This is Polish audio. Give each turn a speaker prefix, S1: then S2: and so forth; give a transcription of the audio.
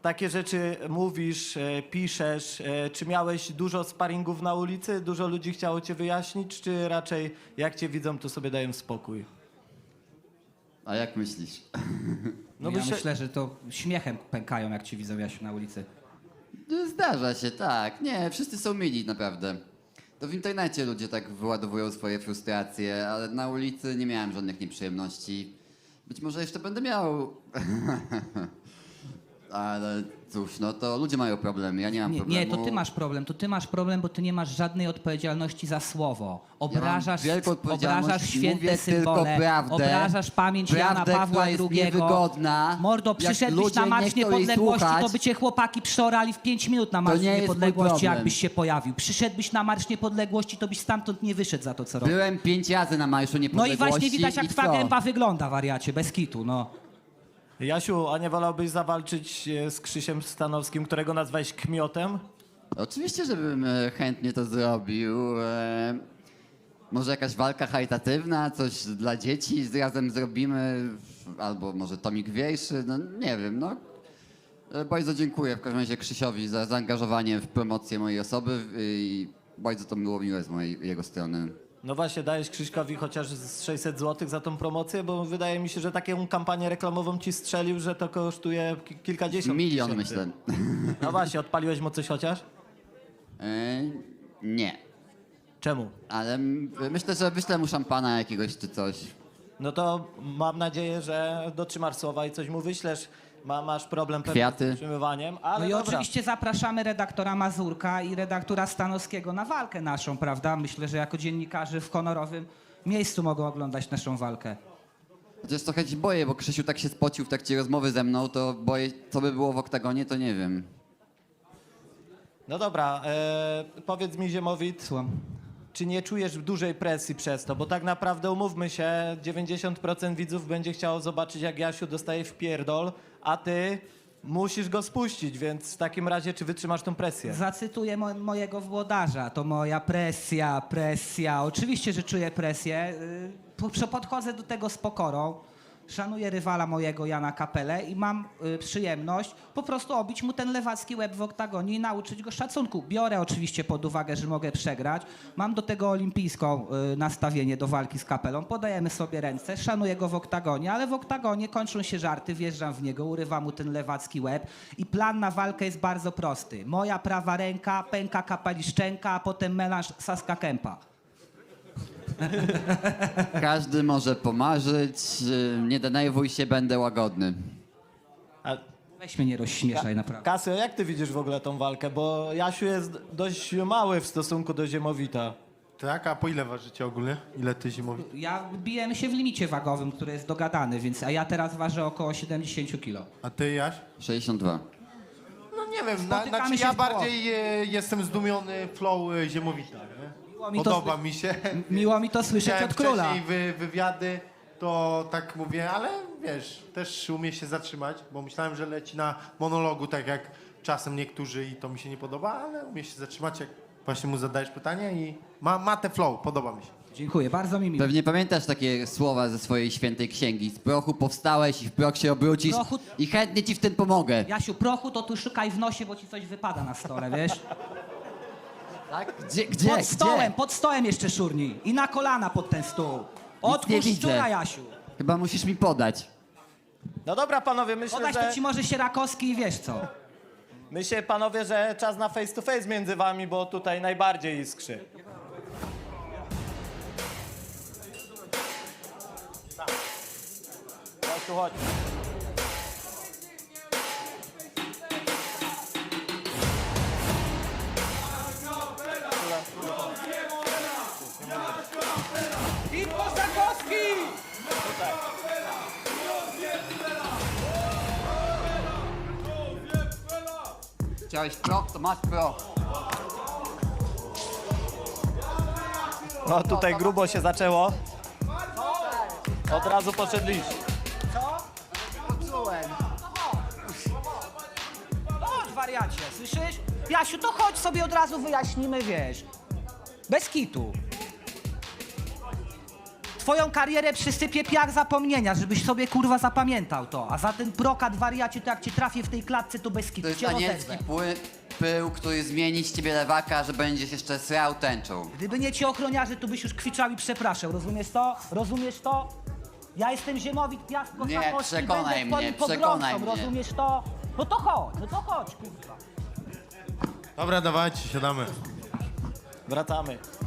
S1: takie rzeczy mówisz, piszesz. Czy miałeś dużo sparingów na ulicy? Dużo ludzi chciało cię wyjaśnić? Czy raczej jak cię widzą, to sobie dają spokój?
S2: A jak myślisz?
S1: No
S3: Ja myślę, że to śmiechem pękają, jak ci widzą, Jasiu, na ulicy.
S2: Zdarza się, tak. Nie, wszyscy są mili, naprawdę. To w internecie ludzie tak wyładowują swoje frustracje, ale na ulicy nie miałem żadnych nieprzyjemności. Być może jeszcze będę miał. Ale cóż, no to ludzie mają problemy, ja nie mam
S3: Nie,
S2: problemu.
S3: nie, to ty masz problem, bo ty nie masz żadnej odpowiedzialności za słowo. Obrażasz,
S2: wielką odpowiedzialność,
S3: obrażasz święte
S2: mówię tylko
S3: symbole,
S2: prawdę.
S3: obrażasz pamięć
S2: Prawdę,
S3: Jana Pawła
S2: która jest
S3: II.
S2: niewygodna.
S3: Mordo,
S2: Jak
S3: przyszedłbyś
S2: ludzie
S3: na
S2: nie
S3: Marsz
S2: chcą jej
S3: Niepodległości,
S2: słuchać,
S3: to by cię chłopaki przeorali w 5 minut na Marsz
S2: nie jest mój
S3: Niepodległości,
S2: problem.
S3: jakbyś się pojawił. Przyszedłbyś na Marsz Niepodległości, to byś stamtąd nie wyszedł za to, co robisz.
S2: Byłem 5 razy na Marszu
S3: No
S2: Niepodległości.
S3: i właśnie widać, jak
S2: i
S3: twa
S2: co?
S3: gęba wygląda, wariacie, bez kitu, no.
S1: Jasiu, a nie wolałbyś zawalczyć z Krzysiem Stanowskim, którego nazwałeś kmiotem?
S2: Oczywiście, żebym chętnie to zrobił. Może jakaś walka charytatywna, coś dla dzieci razem zrobimy, albo może tomik wierszy, no nie wiem, no. Bardzo dziękuję w każdym razie Krzysiowi za zaangażowanie w promocję mojej osoby i bardzo to było miłe z jego strony.
S1: No właśnie, dajesz Krzyśkowi chociaż z 600 zł za tą promocję, bo wydaje mi się, że taką kampanię reklamową ci strzelił, że to kosztuje kilkadziesiąt
S2: Milion
S1: tysięcy.
S2: myślę.
S1: No właśnie, odpaliłeś mu coś chociaż?
S2: Nie,
S1: Czemu?
S2: ale myślę, że wyślę mu szampana jakiegoś czy coś.
S1: No to mam nadzieję, że dotrzymasz słowa i coś mu wyślesz. Masz problem pewnie
S2: Kwiaty.
S1: z utrzymywaniem, ale
S3: No i
S1: dobra.
S3: oczywiście zapraszamy redaktora Mazurka i redaktora Stanowskiego na walkę naszą, prawda? Myślę, że jako dziennikarze w honorowym miejscu mogą oglądać naszą walkę.
S2: Chociaż trochę się boję, bo Krzysiu tak się spocił w trakcie rozmowy ze mną, to boję, co by było w oktagonie, to nie wiem.
S1: No dobra, powiedz mi Ziemowit,
S3: Słucham.
S1: czy nie czujesz dużej presji przez to? Bo tak naprawdę umówmy się, 90% widzów będzie chciało zobaczyć, jak Jasiu dostaje w pierdol, a ty musisz go spuścić, więc w takim razie czy wytrzymasz tą presję?
S3: Zacytuję mojego włodarza. To moja presja, presja. Oczywiście, że czuję presję. Podchodzę do tego z pokorą. Szanuję rywala mojego, Jana Kapelę i mam przyjemność po prostu obić mu ten lewacki łeb w oktagonie i nauczyć go szacunku. Biorę oczywiście pod uwagę, że mogę przegrać. Mam do tego olimpijską nastawienie do walki z Kapelą. Podajemy sobie ręce, szanuję go w oktagonie, ale w oktagonie kończą się żarty, wjeżdżam w niego, urywam mu ten lewacki łeb i plan na walkę jest bardzo prosty. Moja prawa ręka, pęka Kapeli szczęka, a potem melanż Saska Kępa.
S2: Każdy może pomarzyć, nie denerwuj się, będę łagodny.
S1: A,
S3: Weź mnie nie rozśmieszaj, naprawdę.
S1: Kasio, jak ty widzisz w ogóle tą walkę? Bo Jasiu jest dość mały w stosunku do Ziemowita.
S4: Tak, a po ile ważycie ogólnie? Ile ty zimowi?
S3: Bijemy się w limicie wagowym, który jest dogadany, a ja teraz ważę około 70 kg.
S4: A ty, Jaś?
S2: 62.
S4: No nie wiem,
S3: Spotykamy się
S4: ja
S3: w
S4: bardziej jestem zdumiony flow Ziemowita, nie?
S3: mi to
S4: Podoba mi się.
S3: Miło mi to słyszeć
S4: Widziałem
S3: od króla.
S4: wcześniej wywiady, to tak mówię, ale wiesz, też umie się zatrzymać, bo myślałem, że leci na monologu, tak jak czasem niektórzy i to mi się nie podoba, ale umie się zatrzymać, jak właśnie mu zadajesz pytanie i ma te flow, podoba mi się.
S3: Dziękuję, bardzo mi miło.
S2: Pewnie pamiętasz takie słowa ze swojej świętej księgi. Z prochu powstałeś i w proch się obrócisz
S3: Prochu-
S2: i chętnie ci w tym pomogę.
S3: Jasiu, prochu to tu szukaj w nosie, bo ci coś wypada na stole, wiesz?
S2: Tak? Gdzie?
S3: Pod stołem jeszcze szurnij. I na kolana pod ten stół.
S2: nie
S3: Odpuść
S2: widzę.
S3: szczura, Jasiu.
S2: Chyba musisz mi podać.
S1: No dobra, panowie, myślę,
S3: Podać
S1: że...
S3: to ci może Sierakowski i wiesz co.
S1: Myślę, panowie, że czas na face to face między wami, bo tutaj najbardziej iskrzy. Chodź tu, chodź.
S3: I Kosakowski!
S2: Chciałeś proch, to masz proch.
S1: No tutaj grubo się zaczęło. Od razu poszedliście.
S3: Chodź, wariacie, słyszysz? Jasiu, to chodź sobie od razu wyjaśnimy, wiesz. Bez kitu. twoją karierę przysypie piach zapomnienia, żebyś sobie kurwa zapamiętał to. A za ten brokat wariacie, to jak cię trafię w tej klatce, to bez
S2: To
S3: kitu
S2: jest
S3: cię
S2: anielski
S3: rozerwę.
S2: pył, który zmieni z ciebie lewaka, że będziesz jeszcze srał tęczą.
S3: Gdyby nie ci ochroniarze, to byś już kwiczał i przepraszał. Rozumiesz to? Rozumiesz to? Ja jestem Ziemowit Piast
S2: Nie,
S3: Kosakości,
S2: przekonaj
S3: będę twoim
S2: mnie,
S3: pogromcą,
S2: przekonaj mnie.
S3: rozumiesz to? No to chodź, kurwa.
S4: Dobra, dawajcie, siadamy.
S1: Wracamy.